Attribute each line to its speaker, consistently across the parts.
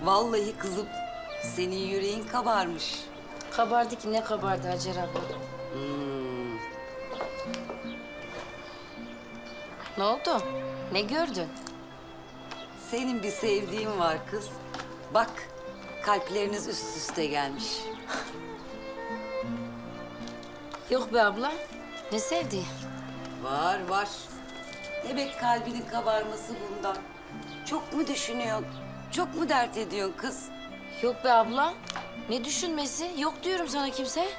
Speaker 1: Vallahi kızım, senin yüreğin kabarmış.
Speaker 2: Kabardı ki ne kabardı Hacer abla. Ne oldu? Ne gördün?
Speaker 1: Senin bir sevdiğin var kız. Bak, kalpleriniz üst üste gelmiş.
Speaker 2: Yok be abla. Ne sevdi?
Speaker 1: Var, var. Demek kalbinin kabarması bundan. Çok mu düşünüyorsun? Çok mu dert ediyorsun kız?
Speaker 2: Yok be abla. Ne düşünmesi? Yok diyorum sana kimse.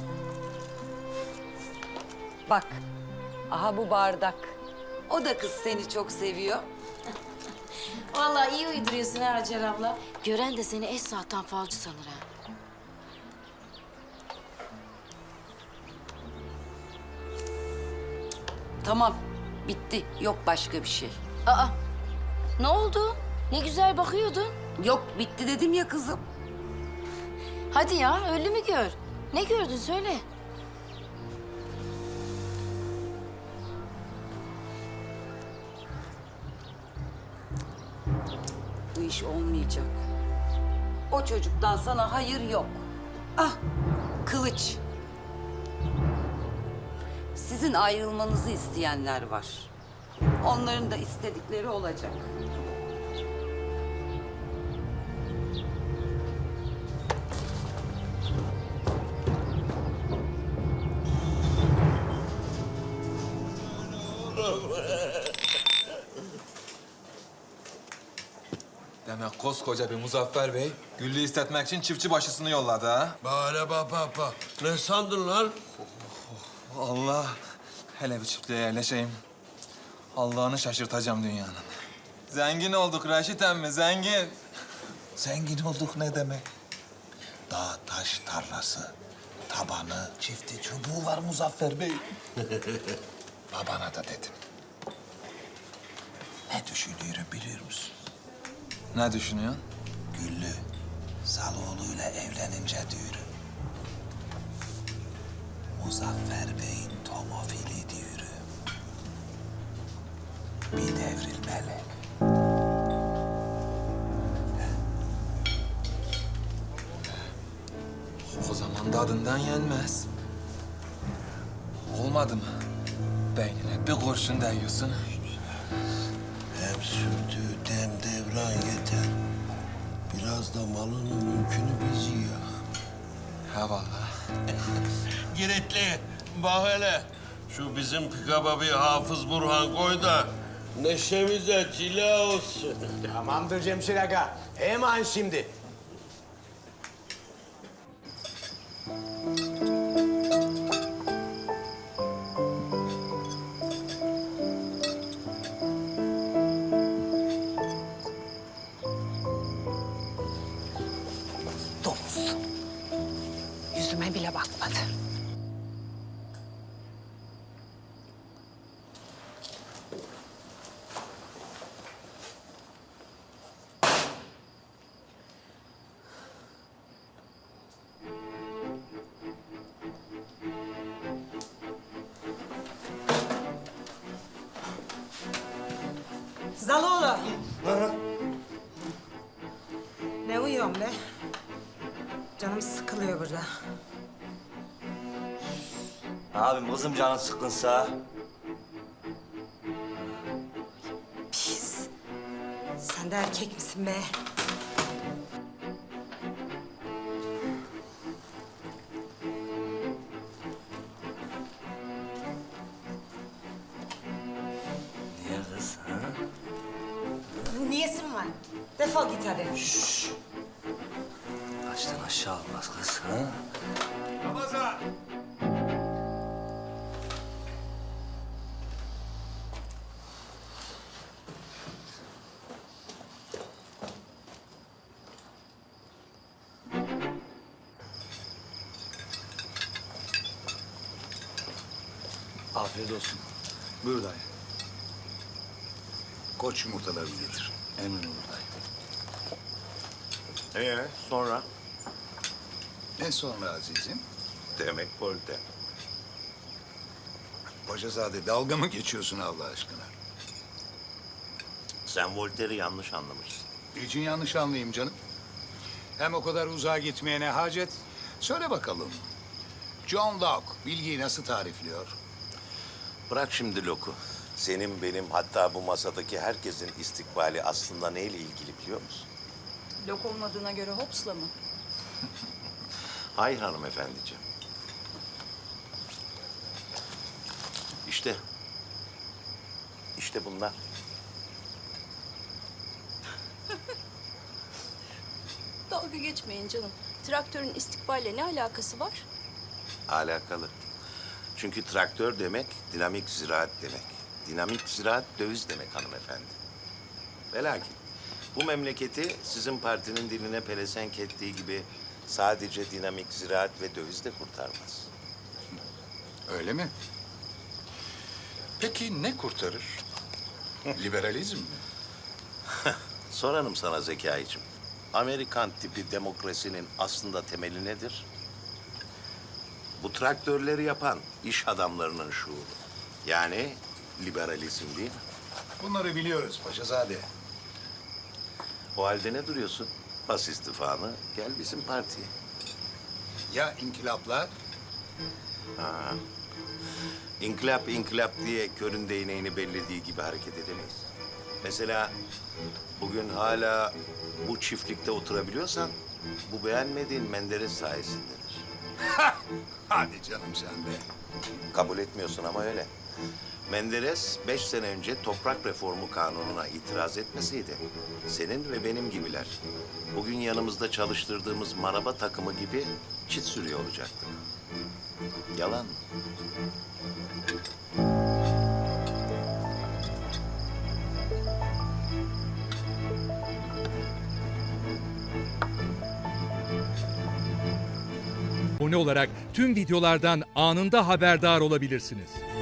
Speaker 1: Bak, aha bu bardak. O da kız seni çok seviyor.
Speaker 2: Vallahi iyi uyduruyorsun ha Hacer abla. Gören de seni Esra'tan falcı sanır ha.
Speaker 1: Tamam, bitti. Yok başka bir şey.
Speaker 2: Aa, ne oldu? Ne güzel bakıyordun.
Speaker 1: Yok, bitti dedim ya kızım.
Speaker 2: Hadi ya, öyle mi gör? Ne gördün söyle.
Speaker 1: Bu iş olmayacak. O çocuktan sana hayır yok. Ah, kılıç. Sizin ayrılmanızı isteyenler var. Onların da istedikleri olacak.
Speaker 3: Demek koskoca bir Muzaffer Bey, Güllü'yü istetmek için çiftçi başısını yolladı ha?
Speaker 4: Bana bak. Ne sandın lan?
Speaker 3: Allah, hele bir çiftliğe yerleşeyim. Allah'ını şaşırtacağım dünyanın. Zengin olduk Raşit emmi, zengin.
Speaker 5: Zengin olduk ne demek? Dağ taş tarlası, tabanı, çifti çubuğu var Muzaffer Bey. Babana da dedim. Ne düşünüyorum biliyor musun?
Speaker 3: Ne düşünüyorsun?
Speaker 5: Güllü, Zaloğlu'yla evlenince diyorum. Muzaffer Bey'in tomofili diyorum. Bir devrilmeli.
Speaker 3: O zaman da adından yenmez. Olmadı mı? Beynine bir kurşun değiyorsun.
Speaker 4: Hem sürdüğü dem devran yeter. Biraz da malının mülkünü biz yiyak.
Speaker 3: Ha vallahi.
Speaker 4: Giritli, bak hele. Şu bizim pikaba bir Hafız Burhan koy da neşemize cila olsun.
Speaker 6: Tamamdır Cemşir Aga. Hemen şimdi.
Speaker 7: Domuz. Yüzüme bile bakmadı.
Speaker 8: Zaloğlu. Ne uyuyorsun be? Canım sıkılıyor burada.
Speaker 9: Abim kızım canın sıkkınsa.
Speaker 8: Pis. Sen de erkek misin be?
Speaker 9: Niye kız? Ha?
Speaker 8: Niyesin var? Defol git hadi.
Speaker 9: Baştan aşağı olmaz kız. Ha?
Speaker 3: Ramazan!
Speaker 5: Afiyet olsun. Buyur dayı. Koç yumurtalarını getir. Emin olur dayı.
Speaker 10: Sonra?
Speaker 5: Ne sonra azizim?
Speaker 10: Demek Voltaire.
Speaker 5: Paşazade dalga mı geçiyorsun Allah aşkına?
Speaker 10: Sen Voltaire'i yanlış anlamışsın.
Speaker 5: Niçin yanlış anlayayım canım? Hem o kadar uzağa gitmeye ne hacet? Söyle bakalım. John Locke bilgiyi nasıl tarifliyor?
Speaker 10: Bırak şimdi Locke'u. Senin, benim, hatta bu masadaki herkesin istikbali aslında neyle ilgili biliyor musun?
Speaker 7: Lok olmadığına göre Hobbes'la mı?
Speaker 10: Hayır hanımefendiciğim. İşte. İşte bunlar.
Speaker 7: Dalga geçmeyin canım. Traktörün istikballe ne alakası var?
Speaker 10: Alakalı. Çünkü traktör demek dinamik ziraat demek. Dinamik ziraat döviz demek hanımefendi. Ve lakin bu memleketi sizin partinin diline pelesenk ettiği gibi sadece dinamik ziraat ve döviz de kurtarmaz.
Speaker 5: Öyle mi? Peki ne kurtarır? Liberalizm mi?
Speaker 10: Sorarım sana Zekai'cim. Amerikan tipi demokrasinin aslında temeli nedir? Bu traktörleri yapan iş adamlarının şuuru. Yani liberalizm değil mi?
Speaker 5: Bunları biliyoruz Paşazade.
Speaker 10: O halde ne duruyorsun? Bas istifanı, gel bizim partiye.
Speaker 5: Ya inkılaplar?
Speaker 10: İnkılap inkılap diye körün değneğini bellediği gibi hareket edemeyiz. Mesela bugün hala bu çiftlikte oturabiliyorsan bu beğenmediğin Menderes sayesindedir.
Speaker 5: Hadi canım sen de.
Speaker 10: Kabul etmiyorsun ama öyle. Menderes 5 sene önce toprak reformu kanununa itiraz etmeseydi senin ve benim gibiler bugün yanımızda çalıştırdığımız maraba takımı gibi çit sürüyor olacaktık. Yalan mı?
Speaker 11: Abone olarak tüm videolardan anında haberdar olabilirsiniz.